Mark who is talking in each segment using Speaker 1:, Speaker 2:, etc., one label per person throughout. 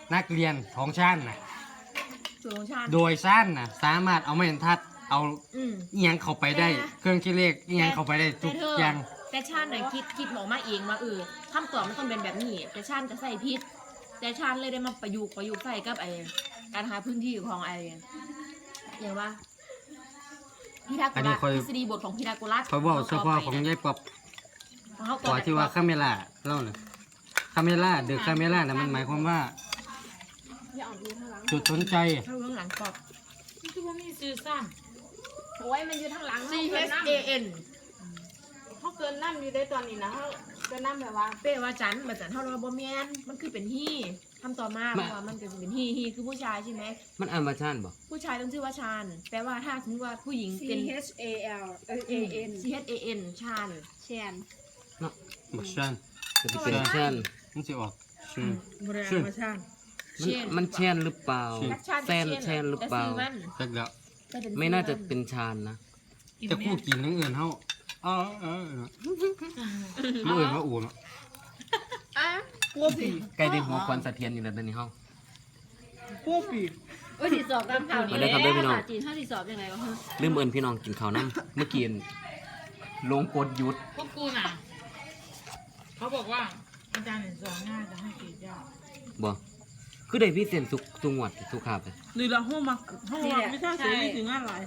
Speaker 1: นักเรียนของชั้นน่ะ
Speaker 2: สูงชาติ
Speaker 1: โดยชั้นน่ะสามารถเอาไม้บรรทัดเอา
Speaker 2: อืม
Speaker 1: เอียงเข้าไปได้เครื่องคิดเลขเอียงเข้าไปได้ทุกอย่าง
Speaker 2: แต่ชาติไหนคิดหมอมาเองว่าคำตอบมันต้องเป็นแบบนี้แต่ชาติจะใส่พิษแต่ชาติเลยได้มาประยุกต์ใส่กับการหาพื้นที่ของอย่างว่าพีทาโกรัสทฤษฎีบทของพีทาโกรัส
Speaker 1: เขาบอกเฉพาะของยายปอบขอที่ว่าคาเมล่าเล่าน่ะคาเมล่าเดอะคาเมล่าน่ะมันหมายความว่า
Speaker 3: อย่าอ่อนดูข้างหลัง
Speaker 1: จุดสนใจ
Speaker 2: เข้าเรื่องหลังปอบ
Speaker 4: คือว่ามีซื้อสั้น
Speaker 3: โอ้ยมันอยู่ทางหลัง
Speaker 2: C H A N
Speaker 3: เขาเกินน้ำอยู่ได้ตอนนี้นะเขาเกินน้ำแบบว่า
Speaker 2: เป้ว่าจันมาจันเท่าเราบ่แมนมันคือเป็นฮี่ทำต่อมาเพราะว่ามันก็จะเป็นฮี่คือผู้ชายใช่ไหม
Speaker 5: มันอ่านมาชานบ่
Speaker 2: ผู้ชายต้องชื่อว่าชาญแปลว่าถ้าสมมติว่าผู้หญิง
Speaker 3: C
Speaker 2: เป็น
Speaker 3: H A L A N
Speaker 2: C H A N ชาญ
Speaker 3: แชน
Speaker 5: เนาะ
Speaker 1: บักชัน
Speaker 5: จะเป็นชาน
Speaker 1: มันจะออกชื่อ
Speaker 4: บริ
Speaker 1: ชื่อ
Speaker 4: มาชาติ
Speaker 5: มันแชนหรือเปล่า
Speaker 2: นักชาญ
Speaker 5: แซนแชนหรือเปล่า
Speaker 1: จักแล้ว
Speaker 5: ไม่น่าจะเป็นชานนะ
Speaker 1: จะคู่กินทั้งอื่นเฮาเมื่ออื่นว่าอู่เนาะ
Speaker 4: พวกผี
Speaker 5: ใกล้ได้หัวควันสะเทียนอยู่แล้วตอนนี้เฮา
Speaker 4: พวกผี
Speaker 3: โอ้ยติดสอบตามข่าวนี้
Speaker 5: มาได้ครับได้พี่น้อง
Speaker 3: ภาษาจีนถ้าติดสอบยังไงวะ
Speaker 5: ลืมเอิ้นพี่น้องกินข้าวน้ำเมื่อกี้ลงกดหยุด
Speaker 4: พวกกูน่ะเขาบอกว่าอาจารย์สอนง่ายจะให้กีดยาก
Speaker 5: บ่คือได้พิเศษสุงวดสุขาบเลย
Speaker 4: หรือเราห้องมาไม่ใช่เสียนี่ถึงงานหลาย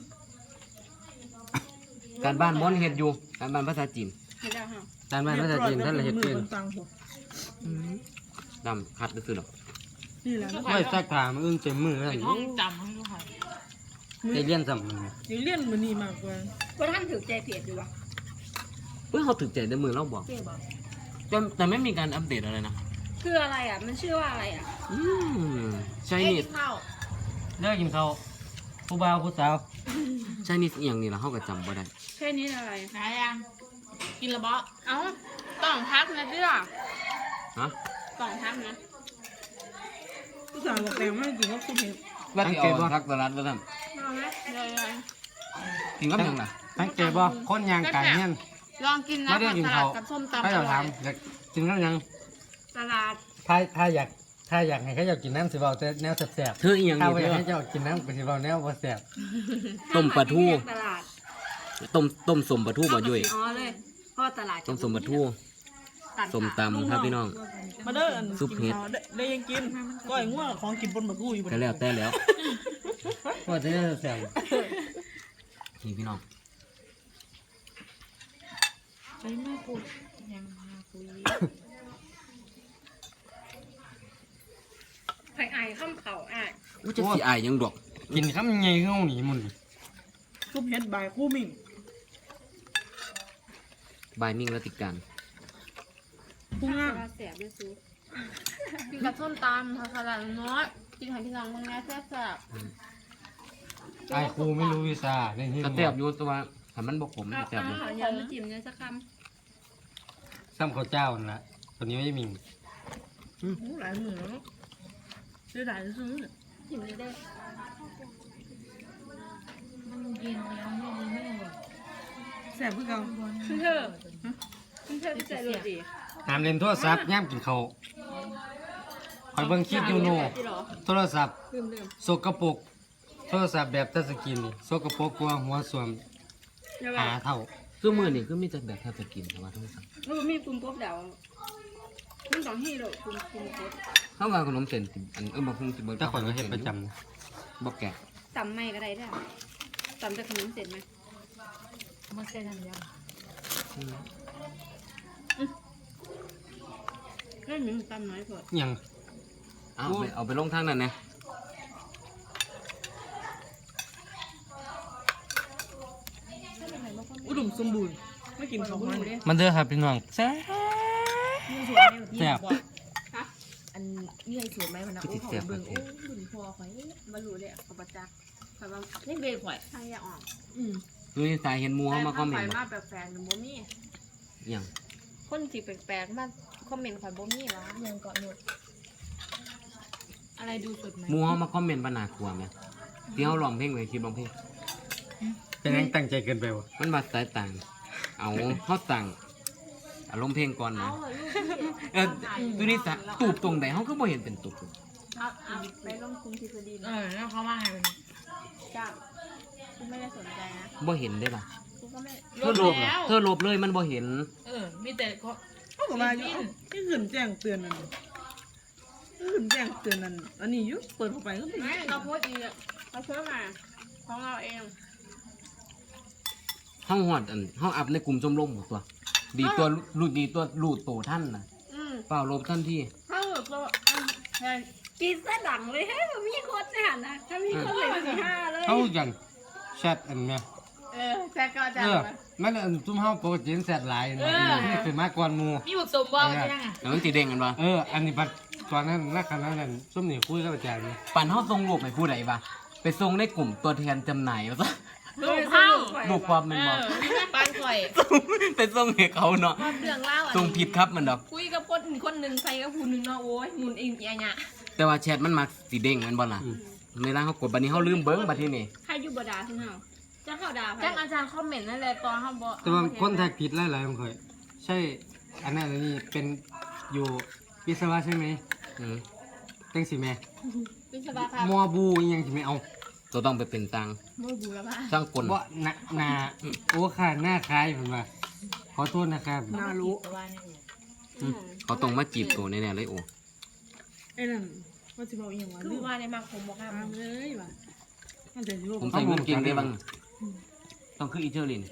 Speaker 5: การบ้านม้อนเฮ็ดอยู่การบ้านภาษาจีน
Speaker 3: เห็นแล้วฮะ
Speaker 1: ด้านบ้านภาษาจีนท่านละเฮ็ดเป็น
Speaker 4: ตังหัว
Speaker 5: ดำคัดซื่อๆดอก
Speaker 4: นี่แหละ
Speaker 1: ไว้ซักผ้ามันอึ้งเต็มมือแล้ว
Speaker 4: เป็นห้องจำให้ลูกค้า
Speaker 1: ได้เรียนซ้ำมัน
Speaker 4: ยังเลี่ยนมันนี่มากกว่า
Speaker 3: ว่าท่านถือใจเพจอยู่วะ
Speaker 5: เฮ้ยเขาถึกใจในมือเราบอก
Speaker 2: เป้บอก
Speaker 5: แต่ไม่มีการอัปเดตอะไรนะ
Speaker 3: คืออะไรอ่ะมันชื่อว่าอะไรอ่ะ
Speaker 5: ใช่
Speaker 2: เอ้ย
Speaker 5: นี่
Speaker 2: กินข้าว
Speaker 1: เลิกกินข้าวผู้บ่าวผู้สาว
Speaker 5: ใช่นี่อหย่างนี้ละเขาก็จำบ่ได้
Speaker 3: แค่นี้อะไร
Speaker 4: ไหนยัง
Speaker 2: กินและบ่
Speaker 3: เอ้าต้องพักนะเจ้า
Speaker 5: ฮะ
Speaker 3: ต้องพักนะ
Speaker 4: ผู้สาวบอกแต่ไม่กินก็คุณเห็น
Speaker 5: ว่าที่เอาทักตลาดว่าท่าน
Speaker 3: ลองไหมเลย
Speaker 5: กินกับหยังล่ะ
Speaker 1: สังเกตบ่คนยางไก่เนี่ย
Speaker 3: ลองกินนะ
Speaker 1: ไม่ได้กิน
Speaker 3: ต
Speaker 1: ข้า
Speaker 3: ลาว ดกับส้มตำ
Speaker 1: ถ้า
Speaker 3: อ
Speaker 1: เรา
Speaker 3: ร่
Speaker 1: ถา
Speaker 3: อ
Speaker 1: ม
Speaker 3: ย
Speaker 1: อยากกินข้าวยัง
Speaker 3: ตลาด
Speaker 1: ถ้าอยากให้เขาอยากกินน้ำสิเบาแต่แนวแสบ
Speaker 5: เธออีหยัง
Speaker 1: ๆถ้า
Speaker 5: นี่
Speaker 1: ไม่อ
Speaker 5: เธ
Speaker 1: ยาก
Speaker 5: อ
Speaker 1: ให้เจ้ากินน้ำก็สิเบาแนวบ่แสบ
Speaker 5: ต้มปลาทู
Speaker 3: ตลาด
Speaker 5: ต้มสมปลาทูบ่ยุ่ย
Speaker 3: อ๋อเลยเพราะว่าตลาด
Speaker 5: ต้มสมปลาทูสมตำครับพี่น้อง
Speaker 4: มาเด้อ
Speaker 5: ซุปเห็ด
Speaker 4: ได้ยังกินก้อยง่วงของกินบนบักกูอยู่บน
Speaker 5: ก็แล้วแต่แล้ว
Speaker 1: ว่าจะได้แสบ
Speaker 5: นี่พี่น้อง
Speaker 4: ใช่ไหมกูยังมาคุย
Speaker 3: ไผ่ไอ้ข้ามเขาอ่ะ
Speaker 5: ว่าจะสิอายหยังดอก
Speaker 1: กินคำใหญ่เข้าหนีมัน
Speaker 4: ซุปเห็ดใบคู่มิ่ง
Speaker 5: บายมิ่งรัติการ
Speaker 4: คู่งาม
Speaker 3: เสียบด้วยซุป
Speaker 2: กินกับส้มตำผักสลัดน้อยกินหอยพี่น้องมึงนะแซ่บ
Speaker 1: ไอ้ครูไม่รู้วิชาในที่
Speaker 5: กระแทบอยู่แต่ว่าถ้ามันบ่ขมมันกระแทบอยู่
Speaker 3: อาหารมาจิ้มเนี่ยสักค
Speaker 1: ซ้ำข้าวเจ้านั่นล่ะตัวนี้ไม่มี
Speaker 4: หลายหมื่นแล้วได้หลายซื้อ
Speaker 3: ำจิ้มเลยได้
Speaker 4: มันเย็นแล้วไม่หมดแสบเพื่อเขา
Speaker 3: คุณเธอคุณเธอใจโรดี
Speaker 1: ห้ามเล่นโทรศัพท์ย่ำกินข้าวคอยเบิ่งคลิปอยู่โน่โทรศัพท์
Speaker 3: ลืม
Speaker 1: สกปรกโทรศัพท์แบบทัชสกรีนนี่สกปรกกว่าหัวส่วม
Speaker 3: เดี๋ยว
Speaker 1: หาเท่า
Speaker 5: คือมื้อนี้คือมีแต่แบบแทบจะกินแต่ว่าโทรศัพท์
Speaker 3: มันมีปุ่มปุ๊บเดี๋ยวมันต้องให้เราปุ่มปุ๊บ
Speaker 5: เฮาว่าขนมเส้นสิอันบ่คงสิเบิ่ง
Speaker 1: แต่ข่อยก็เฮ็ดประจำนะ
Speaker 5: บ่แกะ
Speaker 3: ตำไม่ก็ได้ได้ตำจะขนมเสร็จไหม
Speaker 4: มันใช่ทำยัง
Speaker 3: ก็หนึ่งตำน้อยพอ
Speaker 1: อิหยัง
Speaker 5: เอาไปลงทางนั้นนะ
Speaker 4: อุดมสมบูรณ์ไม่กินของมัน
Speaker 1: มันเด้อครับพี่น้องแซ่บ
Speaker 2: ๆนี่สวยไหม
Speaker 1: แซ่บ
Speaker 2: อันนี่ไงสวยไหมมันนะโอ้โหเบิ่งโอ้บุญพอข่อย
Speaker 3: บรรลุเลยขอประจักษ์แต่ว่า
Speaker 2: นี่เบยข่อย
Speaker 3: ทางอยาออก
Speaker 2: อืม
Speaker 5: คือสายเห็นหมู่เฮามาคอมเมนต์
Speaker 3: มาแปลกๆหนูบ่มี
Speaker 5: หยัง
Speaker 3: คนที่แปลกๆมาคอมเมนต์ข่อยบ่มีวะ
Speaker 2: ยังเกาะหนวด
Speaker 3: อะไรดูสดไหม
Speaker 5: หมู่เฮามาคอมเมนต์ว่าน่ากลัวแม่ที่เฮาร้องเพลงไว้คลิปร้องเพลง
Speaker 1: เป็นยังตั้งใจเกินไปวะ
Speaker 5: มันว่าสายต่างเอาเฮาสั่งอารมณ์เพลงก่อนนะ
Speaker 3: เอาเหรอลูก
Speaker 5: ดูนี่สะตูบตรงไหนเฮาก็บ่เห็นเป็นตูบ
Speaker 3: เอาไปลงคุมทฤษฎี
Speaker 4: แล้วเขาว่าไงวันนี้
Speaker 3: จ้ากูไม่ได้สนใจนะ
Speaker 5: บ่เห็นได้ล่ะ
Speaker 3: กูก็ไม่
Speaker 5: เธอลบเหรอเธอลบเลยมันบ่เห็น
Speaker 4: มีแต่เขา
Speaker 6: เขาบอกว่าอยู่เอ้าที่ขึ้นแจ้งเตือนนั่นที่ขึ้นแจ้งเตือนนั่นอันนี้อยุเปิดเข้าไปก็เป็น
Speaker 3: ไม่เราโพสต์อีกเราโพสต์มาของเราเอง
Speaker 5: ห้องหอดห้องอัพในกลุ่มชมรมหมดตัว ดีตัวรูดโตท่านน่ะ เปล่าลบท่านที่
Speaker 3: ถ้าแบบเรากินซะดังเลยให้มันมีคนเนี่ยนะถ้ามีคนเลย4-5เลย
Speaker 1: เขาอย่างแชทอันเนี้ย
Speaker 3: แจ็คก็จะ
Speaker 1: มันอันซุ่มเฮาปกติแชทหลายนะนี่คือมากกว่าหมู่
Speaker 4: มีบุกสมบัติใช่ไหม
Speaker 5: แล้วมันสีแดงกันปะ
Speaker 1: อันนี้ปัดตอนนั้นนักขณะนั้นซุ่มนี่คุยกับอาจารย์นี่
Speaker 5: ปั่นห้องทรงรูปให้ผู้ใดปะไปทรงในกลุ่มตัวแทนจำหน่ายมาซะ
Speaker 3: ลูกเข้า
Speaker 5: รูปความเป็นบอก
Speaker 2: ปานข่อย
Speaker 5: ไปทรงให้เขาเนาะ
Speaker 2: ว่าเรื่องเล่า
Speaker 5: ทรงผิดครับมันดอก
Speaker 2: คุยกับคนหนึ่งใส่กับผู้หนึ่งเนาะโอ้ยมุนเองอย่างเงี้ย
Speaker 5: แต่ว่าแชทมันมักสีแดงแมันบ่ล่ะในร่างเขากดบัดนี้เขาลืมเบิ้งบัดที่นี่
Speaker 3: ใครอยู่บดาที่เฮาจะเข้าดา
Speaker 2: จ้างอาจารย์คอมเมนต์นั่นแหละตอนเขาบอก
Speaker 1: แต่ว่าคนแท็กผิดหลายๆคนเคยใช่อันนั้นอันนี้เป็นอยู่วิศวะใช่ไหม
Speaker 5: อืม
Speaker 1: จังสิแม่
Speaker 3: วิศวะครับ
Speaker 1: มอบูอิหยังสิแม่เอา
Speaker 5: ตัวต้องไปเป็นตัง
Speaker 3: โมบูแล้วป่ะ
Speaker 5: ช่างกล
Speaker 1: บ่หน้าโอ้ค่ะหน้าคล้ายผมว่าขอโทษนะครับ
Speaker 6: น่ารู้
Speaker 5: เขาต้องมาจีบตัวแน่ๆเลยโอ้
Speaker 6: ไอ้นั่นว่าจะบอกอีกอย่างว่า
Speaker 2: คื
Speaker 6: ลื
Speaker 2: อ
Speaker 6: ม
Speaker 2: ว่าในมักผมบอกครับ
Speaker 6: ตามเลยว่ะมันจะอยู่
Speaker 5: ผมใส่เงินเก่งได้บ้างต้องคืออีเทอร์ลิน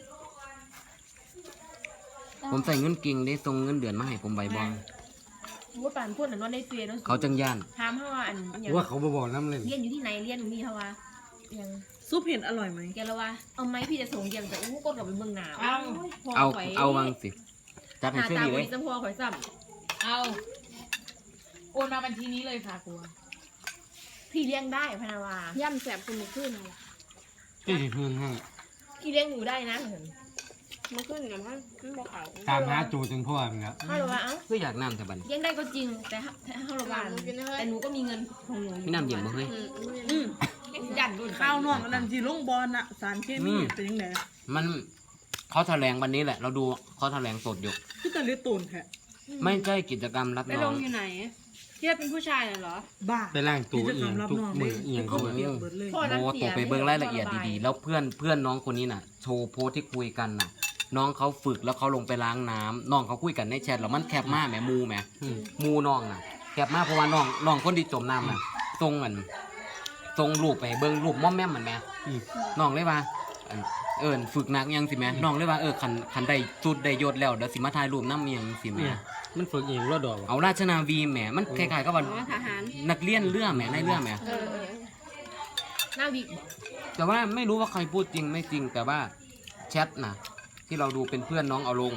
Speaker 5: ผมใส่เงินเก่งได้ส่งเงินเดือนมาให้ผมใบบอง
Speaker 2: ว่าป่านพูดหน่อยว่าในเฟซ
Speaker 5: เขาจังย่าน
Speaker 2: ถามเขาว่าอันอย่าง
Speaker 1: ว่าเขาบ่บอกน้ำเลย
Speaker 2: เรียนอยู่ที่ไหนเรียนอยู่นี่เขาว่าอย่าง
Speaker 6: ซุปเห็ดอร่อยไหม
Speaker 2: แกละว่าเอาไหมพี่จะส่งยังแต่อู้ก็กลับไปเมืองหนาว
Speaker 5: เอาวางสิจัด
Speaker 2: ห
Speaker 5: ให้
Speaker 2: น้า
Speaker 5: เชื่อ
Speaker 2: ตา
Speaker 5: ดี
Speaker 2: บ
Speaker 5: เลย
Speaker 2: ริจำพอข่อยซ้
Speaker 4: เอาโอนมาบัญชีนี้เลยค่ะครู
Speaker 2: ำพี่เลี้ยงได้พนาวา
Speaker 3: ย่ำแสบคุณมือขึ้นเลย
Speaker 1: ที่สิพื้นให้
Speaker 2: พี่เลี้ยงหนูได้นะเห็น
Speaker 3: มือขึ้นเนี่ยมันบอกเขา
Speaker 1: ตามหาโจจนพ่อมันแล้ว
Speaker 2: เขาบอกว่าเอ้า
Speaker 5: คืออยากน้ำแต่บัดน
Speaker 2: เลี้ยงได้ก็จริงแต่เขาบอกว่าแต่หนูก็มีเงินของหนู
Speaker 5: พี่น้ำเย็นบ่เฮ้ย
Speaker 2: ยันรุ่น
Speaker 6: ข้าวนอกอันนั้นที่ลงบอลน่ะสารเคมีเป็นยังไง
Speaker 5: มันเขาแถลงวันนี้แหละ เราดูเขาแถลงสดอยู่
Speaker 6: คือแต่เลือดตูนแท้
Speaker 5: ไม่ใช่กิจกรรมรับ
Speaker 3: ไป
Speaker 5: น้
Speaker 3: ล
Speaker 5: อง
Speaker 3: งอยู่ไหนเทียบเป็นผู้ชายเหรอ
Speaker 6: บ้า
Speaker 1: ไปล่างตัวเอียงทุกมือเอียง
Speaker 6: เขา
Speaker 1: เขา
Speaker 6: เปรียบเบิดเลย
Speaker 2: พ่อ
Speaker 5: โอ้ตกไปเบิ้งรายละเอียดดีๆ แล้วเพื่อนน้องคนนี้น่ะ โชว์โพสต์ที่คุยกันน่ะ น้องเขาฝึกแล้วเขาลงไปล้างน้ำน้องเขาคุยกันในแชทแล้วมันแคบมากแหมมูแหมมูน้องน่ะแคบมากเพราะว่าน้องคนที่จมน้ำน่ะทรงเหมือนทรงรูปไปเบิ้งรูปม่อมแม่มเหมือนแม่น้องเลยว่าฝึกหนักยังสิแม่น้องเลยว่าคันได้จุดได้ยศแล้วเดี๋ยวสิมาถ่ายรูปน้ำยังสิแม่
Speaker 1: เนี่ยมันฝึกเองรอดดอก
Speaker 5: เอาราชนาวีแหมมันคล้ายๆกับว่า
Speaker 3: อ๋อทหาร
Speaker 5: นักเรียนเรือแหมในเรือแหม
Speaker 2: หน้าวิกบอก
Speaker 5: แต่ว่าไม่รู้ว่าใครพูดจริงไม่จริง แต่ว่าแชทนะที่เราดูเป็นเพื่อนน้องเอาลง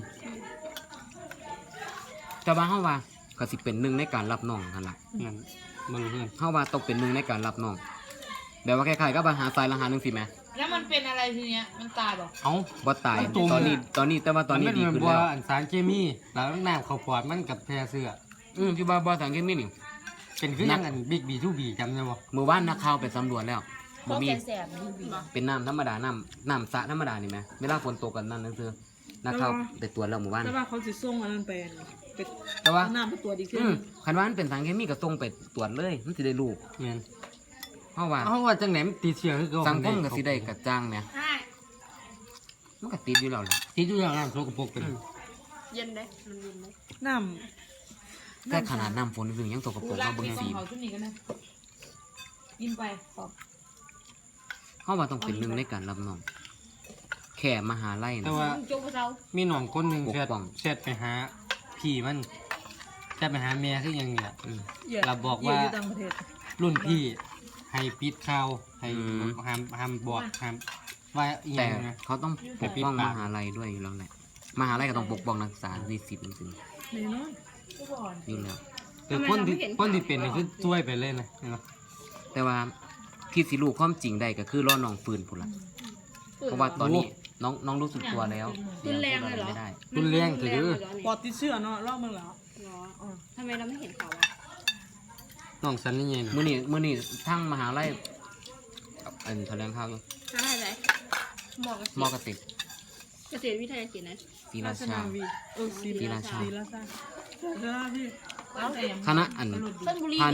Speaker 5: แต่ว่าเฮาว่าก็สิเป็นหนึ่งในการรับน้องกันละ
Speaker 1: นั่นมึงเพื่อน
Speaker 5: เฮาว่าต้องเป็นหนึ่งในการรับน้องแบบว่าคล้ายๆกับว่าหาทรายละหาหนึ่งสิแหม่
Speaker 4: แล้วมันเป็นอะไรทีเนี้ยมันตายบอก
Speaker 1: เอา
Speaker 5: บ่ตายตอนนี้แต่ว่าตอนนี้ดีขึ้น
Speaker 1: บัว
Speaker 5: แล้ว
Speaker 1: อันสารเคมีแล้วน้ำเขาปอดมันกับแพรเสื้อ
Speaker 5: ที่ว่าบ่สังเกตมีนี่
Speaker 1: เป็นคือยังอันบิ๊กบีทูบีจำได้บ่
Speaker 5: มื้อวานนักข่าวไปสำรวจแล้ว
Speaker 2: พ
Speaker 5: บ่
Speaker 2: วก
Speaker 5: มี
Speaker 2: แสบๆดูวิก
Speaker 5: เป็นน้ำธรรมดาน้ำสระธรรมดานี่แหมเวลาฝนตกกันนั่นคือนักข่าวไปตรวจแล้วมื้อวาน
Speaker 6: แต่ว่าเขาสิส่งอันนั้นไปไป
Speaker 5: แต่ว่า
Speaker 6: เอาน้ำไปตรวจอีกที
Speaker 5: คันว่ามันเป็นสารเคมีก็ส่งไปตรวจเลยมันสิได้รู้
Speaker 1: แม่น
Speaker 5: เพราะว่า
Speaker 1: เอาว่าจังไหนมันติดเชื้อคือเก่า
Speaker 5: สังคมก็สิได้กระจ่างแหม
Speaker 3: ใช่
Speaker 5: มันก็ติดอยู่แล้วแหละ
Speaker 1: ติดอยู่อย่างน้ำโสกปรกเป็น
Speaker 2: เย็นเลยมันเย็นเลย
Speaker 6: น้
Speaker 5: แต่ขนาดน้ำฝนถึงยังตกกระ
Speaker 4: กู
Speaker 5: ปรก
Speaker 4: รัก
Speaker 5: เฮาเบิ่ง
Speaker 4: มีขอ
Speaker 5: สี
Speaker 4: งเขาขึ้นนี่กันนะกินไปขอบ
Speaker 5: เฮาว่าต้องเป็นหนึ่งในการรับน้องแค่มหาลัย
Speaker 1: แต่
Speaker 5: นะ
Speaker 1: ว่า
Speaker 2: โจ๊กเรา
Speaker 1: มีหนองคนหนึ่ง
Speaker 5: ปกป้อง
Speaker 1: แชทไปหาพี่มันแชทไปหาแม่คือยังเนี่ย
Speaker 6: ำเหยื่อ
Speaker 1: เราบอก
Speaker 6: เหยื่
Speaker 1: ว่า
Speaker 6: อยู่ต่างประเทศ
Speaker 1: รุ่นพี่ให้ปิดข่าวให้ห้ามบอกห้ามว่าอีห
Speaker 5: แต่
Speaker 1: ยังนะ
Speaker 5: เขาต้องปกป้อง
Speaker 1: แต่ปิดปาก
Speaker 5: มหาลัยด้วยอยู่แล้วแหละมหาลัยก็ต้องปกป้องนักศึกษานิสิตจริง
Speaker 6: แน่นอน
Speaker 4: กูบอก
Speaker 5: ๆอยู่แล้ว
Speaker 1: แต่คนที่เป็นนี่คือช่วยไปเลยนะเห็นปะ
Speaker 5: แต่ว่าที่สิรู้ความจริงได้ก็คือรอน้องฟื้นพุ่นละเพราะว่าตอนนี้น้องรู้สึกตัวแล้ว
Speaker 3: รุนแรงเลยเหรอ
Speaker 5: ไม่ได้
Speaker 1: รุนแรงถือ
Speaker 6: ปอดติดเชื้อเนาะรอบมึงแล้ว
Speaker 3: ทำไมเราไม่เห็นเขาอ่ะ
Speaker 1: น้องสันนี่ไงนะ
Speaker 5: มื้อนี้ทั้งมหาลัยแถลงข่าวอยู่
Speaker 3: ทำอะไร
Speaker 2: หมอก
Speaker 5: มอกระติก
Speaker 3: เกษตรวิทยากิจนะ
Speaker 5: ศรี
Speaker 6: รา
Speaker 5: รา
Speaker 6: ช
Speaker 5: ชา
Speaker 6: นาวีศรี
Speaker 5: ศรีราชา
Speaker 6: ศรีราชาศรีราชาพี่
Speaker 5: คณะ
Speaker 2: ต้นบุรี